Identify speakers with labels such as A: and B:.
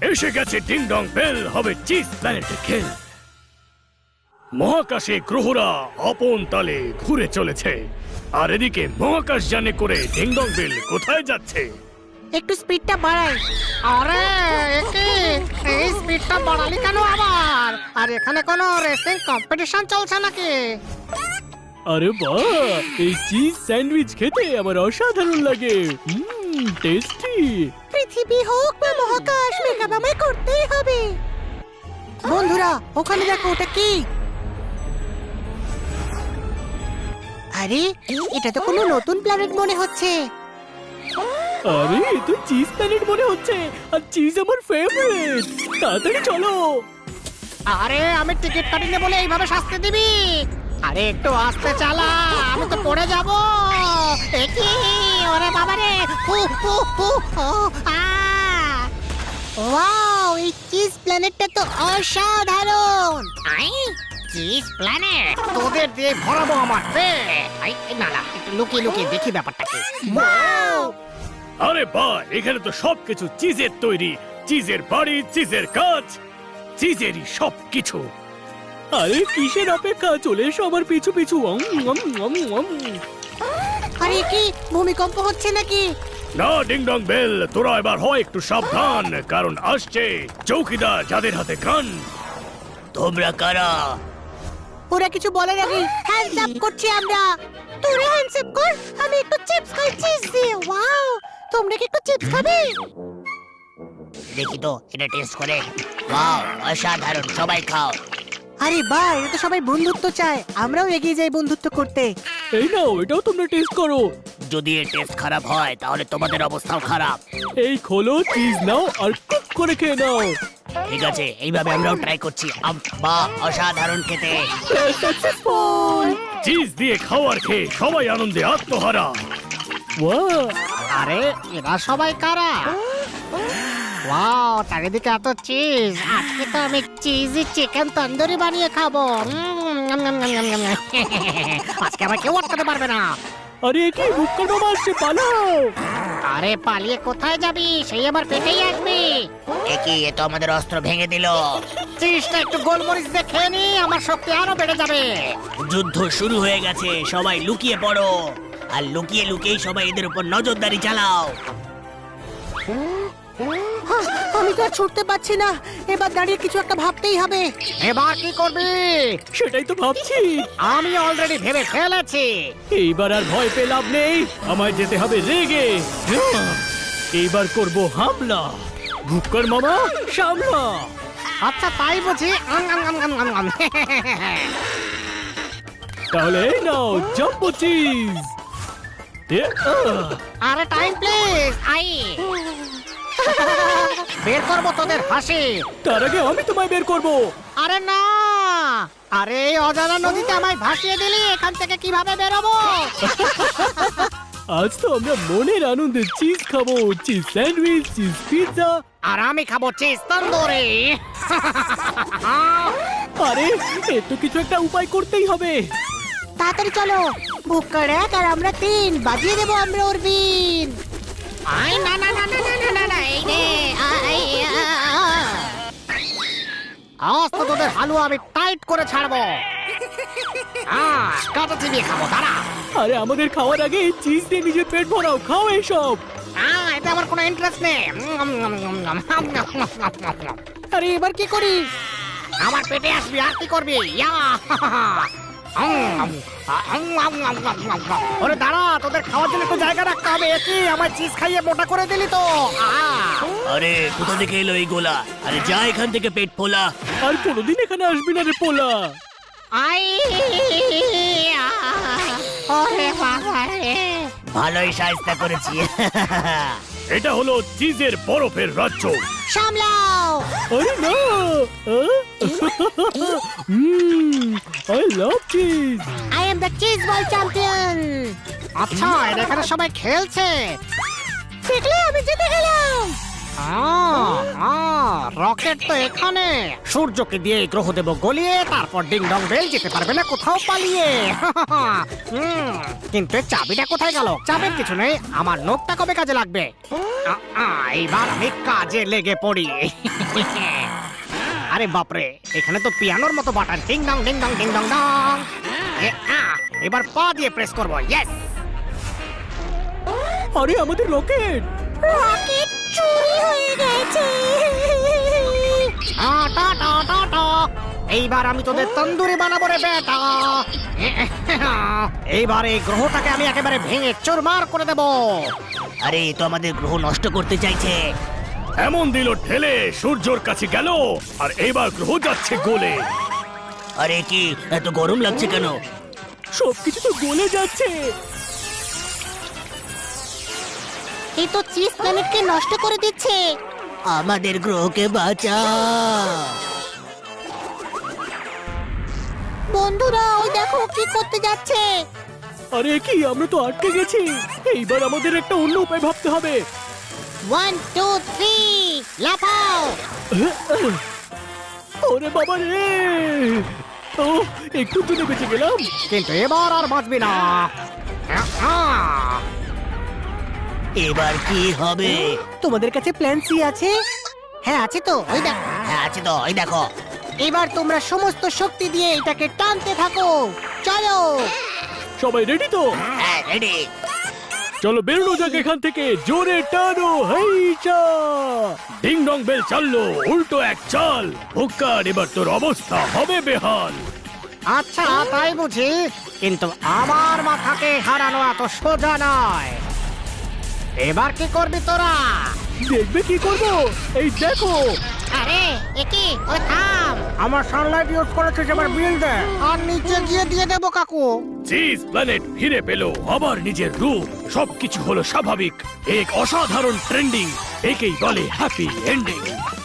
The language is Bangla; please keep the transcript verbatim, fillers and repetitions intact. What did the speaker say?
A: এসে গেছে ডিং ডং বেল, হবে চিজ প্ল্যানেটে খেল। মহাকাশে গ্রহরা আপন তালে ঘুরে চলেছে, আর এদিকে মহাকাশ যানে করে ডিং ডং বেল কোথায় যাচ্ছে?
B: একটু স্পিডটা বাড়াই। আরে একে এই স্পিডটা বাড়ালি কেন আবার? আর এখানে কোনো রেসিং কম্পিটিশন চলছে নাকি?
C: আরে বাহ, এই চিজ স্যান্ডউইচ খেতে আমার অসাধারণ লাগে। Hmm, tasty.
B: পৃথিবী হোক বা মহাকাশ, মেকআপ আমায় করতেই হবে। বন্ধুরা ওখানে দেখো, ওটা কি? আরে এটা তো কোনো নতুন প্ল্যানেট মনে হচ্ছে।
C: আরে এ তো চিজ প্ল্যানেট মনে হচ্ছে, আর চিজ আমার ফেভারিট। তাড়াতাড়ি চলো।
B: আরে আমি টিকিট কাটিনি বলে এইভাবে শাস্তি দিবি? আরে একটু আস্তে চালা, আমি তো পড়ে যাব। একি ওরে বাবা রে, হু হু হু ও আ ওয়াও, এই চিজ প্ল্যানেটটা তো অসাধারণ। আই চিজ প্ল্যানেট তোদের দিয়ে ভরাবো আমার পেট। আই না না, একটু লুকিয়ে লুকিয়ে দেখি ব্যাপারটা কি। ওয়াও,
A: আরে বাহ, এখানে তো সবকিছু চিজের তৈরি। চিজের বাড়ি, চিজের কাজ, চিজেরই সবকিছু।
C: আরে কিসের অপেক্ষা, চলে এসো আমার পিছু পিছু। উম, উম, উম, উম।
B: আরে কি ভূমিকম্প হচ্ছে নাকি?
A: না ডিং ডং বেল, তোরা এবার হয় একটু সাবধান, কারণ আসছে চৌকিদার যাদের হাতে গান। তোমরা কারা?
B: ওরা কিছু বলার আগে হ্যান্ডস আপ করছি আমরা। তোরা হ্যান্ডস আপ কর, আমি একটু চিপস খাই চিজ দিয়ে। ওয়াও, তোমরা কি একটু চিপস খাবে?
D: দেখি তো এটা টেস্ট করে। ওয়াও, অসাধারণ, সবাই খাও।
B: আরে বাহ, এটা তো সবাই বন্ধুত্ব চায়, আমরাও এগিয়ে যাই বন্ধুত্ব করতে।
C: এই নাও, এটাও তোমরা টেস্ট করো।
D: যদি এর টেস্ট খারাপ হয় তাহলে তোমাদের অবস্থাও খারাপ।
C: এই খোলো, চিজ নাও আর কুক করে খেয়ে নাও।
D: ঠিক আছে, এইভাবে আমরাও ট্রাই করছি। বাহ, অসাধারণ খেতে।
C: সাকসেসফুল।
A: চিজ দিয়ে খাওয়ার খেয়ে সবাই আনন্দে আত্মহারা।
C: ওয়াও,
B: আরে এরা সবাই কারা? ওয়াও, চারিদিকে এত চিজ। আজকে তো আমি চিজি চিকেন তন্দুরি বানিয়ে খাবো। উম, নম, নম, নম, নম, নম। আজকে আমার কেউ আটকাতে পারবে না।
C: আরে কি বুক্কা মামা আসছে, পালাও।
B: আরে পালিয়ে কোথায় যাবি? সেই আমার পেটেই আসবি।
D: একই, এ তো আমাদের অস্ত্র ভেঙে দিল।
B: চিজটা একটু গোলমরিচ দিয়ে খেয়ে নি, আমার শক্তি আরো বেড়ে যাবে।
D: যুদ্ধ শুরু হয়ে গেছে, সবাই লুকিয়ে পড়ো। আর লুকিয়ে লুকিয়ে সবাই এদের উপর নজরদারি চালাও।
B: হ্যাঁ, আমি তো আর ছুটতে পারছি না, এবার দাঁড়িয়ে কিছু একটা ভাবতেই হবে। এবার কি করবি?
C: সেটাই তো ভাবছি।
B: আমি অলরেডি ভেবে ফেলেছি।
C: এইবার আর ভয় পেয়ে লাভ নেই, আমায় যেতে হবে রেগে। এইবার করব হামলা। ভুক্কর মামা সামলা।
B: আচ্ছা তাই বুঝি। আম, আম, আম, আম, আম, আম।
C: তাহলে এই নাও জাম্বো চিজ। এ, আহ,
B: আরে টাইম প্লিজ, আই বের করবো তোদের হাসি।
C: তার আগে আমি তোমায় বের করব।
B: আরে না, আরে এই অজানা নদীতে আমায় ভাসিয়ে দিলি, এখান থেকে কিভাবে বেরোবো?
C: আজ তো আমরা মনের আনন্দে চিজ খাবো। Cheese sandwich, cheese pizza.
B: আর আমি খাবো চিজ তন্দুরি।
C: আরে এর তো কিছু একটা উপায় করতেই হবে।
B: তাড়াতাড়ি চলো, বুক্কার এক আর আমরা তিন, বাজিয়ে দেবো আমরা ওর বিন। আই না না না না না না না না, এই নে আই আ, আ। আজ তো তোদের হালুয়া আমি টাইট করে ছাড়বো। আহ, কাটা চিবিয়ে খাবো, দাঁড়া।
C: আরে আমাদের খাওয়ার আগে এই চিজ দিয়ে নিজের পেট ভরাও, খাও এইসব।
B: আহ, এতে আমার কোনো ইন্টারেস্ট নেই। আরে এবার কি করি? আমার পেটে আসবি আর কি করবি? ইয়া ওরে দাঁড়া, তোদের খাওয়ার জন্য একটু জায়গা রাখতে হবে। কি আমার চিজ খাইয়ে মোটা করে দিলি তো। আহ,
D: আরে কোথা থেকে এলো এই গোলা? আরে যা এখান থেকে, পেট ফোলা।
C: আর কোনোদিন এখানে আসবি না রে পোলা।
B: আই ওরে বাবা রে,
D: ভালোই সাহায্য করেছি।
A: এটা হলো চিজের বরফের রাজ্য।
B: সামলাও।
C: আরে না, I love cheese.
B: I am the cheese ball champion. আচ্ছা, এরা এখানে সবাই খেলছে, দেখলে আমি জিতে গেলাম। রকেট তো এখানে। সূর্যকে দিয়ে এই গ্রহ দেব গলিয়ে, তারপর ডিং ডং বেল যেতে পারবে না কোথাও পালিয়ে। হুম, কিন্তু এর চাবিটা কোথায় গেল? চাবির কিছু নেই, আমার নোটটা কবে কাজে লাগবে? আ, আ, এইবার আমি কাজে লেগে পড়ি। আরে বাপরে, এখানে তো পিয়ানোর মতো button, ding dong ding dong ding dong dong. এ, আ, এবার পা দিয়ে প্রেস করবো। ইয়েস,
C: আরে আমাদের রকেট!
B: রকেট চুরি হয়ে গেছে। টা টা টা টা। এইবার আমি তোদের তন্দুরি বানাবো রে বেটা। এইবার এই গ্রহটাকে আমি একেবারে ভেঙে চুরমার করে দেব।
D: আরে এ তো আমাদের গ্রহ নষ্ট করতে চাইছে।
A: এমন দিল ঠেলে সূর্যর কাছে গেল, আর এবার গ্রহ যাচ্ছে গোলে।
D: আরে কি এত গরম লাগছে কেন?
C: সবকিছু তো গলে যাচ্ছে।
B: এই তো চিজ প্ল্যানেটকে নষ্ট করে দিচ্ছে।
D: আমাদের গ্রহকে বাঁচা।
B: বন্ধুরা, ওই দেখো কি করতে যাচ্ছে।
C: আরে কি, আমরা তো আটকে গেছি। এইবার আমাদের একটা অন্য উপায় ভাবতে হবে।
B: ওয়ান টু থ্রি, লাফাও।
C: ওরে বাবা রে! ও, একটু দূরে বেঁচে গেলাম।
B: কিন্তু এবার আর বাঁচবি না।
D: এবার কি হবে?
B: তোমাদের কাছে প্ল্যান সি আছে? হ্যাঁ আছে তো, ওই দেখো।
D: হ্যাঁ আছে তো, এই দেখো।
B: এবার তোমরা সমস্ত শক্তি দিয়ে এটাকে টানতে থাকো। চলো।
C: সবাই রেডি তো?
D: হ্যাঁ রেডি।
C: চলো বেরোনো যাক এখান থেকে। জোরে টানো, হেইচা!
A: ডিং ডং বেল চাললো, উল্টো এক চাল। হুক্কার, এবার তোর অবস্থা হবে বেহাল।
B: আচ্ছা, তাই বুঝি, কিন্তু আমার মাথাকে হারানো এত সোজা নয়। এবার কি করবি তোরা?
C: দেখবে কি করবো? এই দেখো।
B: আরে একি, ওই থাম। আমার সানলাইট ইউজ করেছিস, এবার বিল দে। আর নিচে গিয়ে দিয়ে দেবো কাকু।
A: চিজ প্ল্যানেট ফিরে পেল আবার নিজের রূপ। সবকিছু হলো স্বাভাবিক। এক অসাধারণ ট্রেন্ডিং, একেই বলে হ্যাপি এন্ডিং।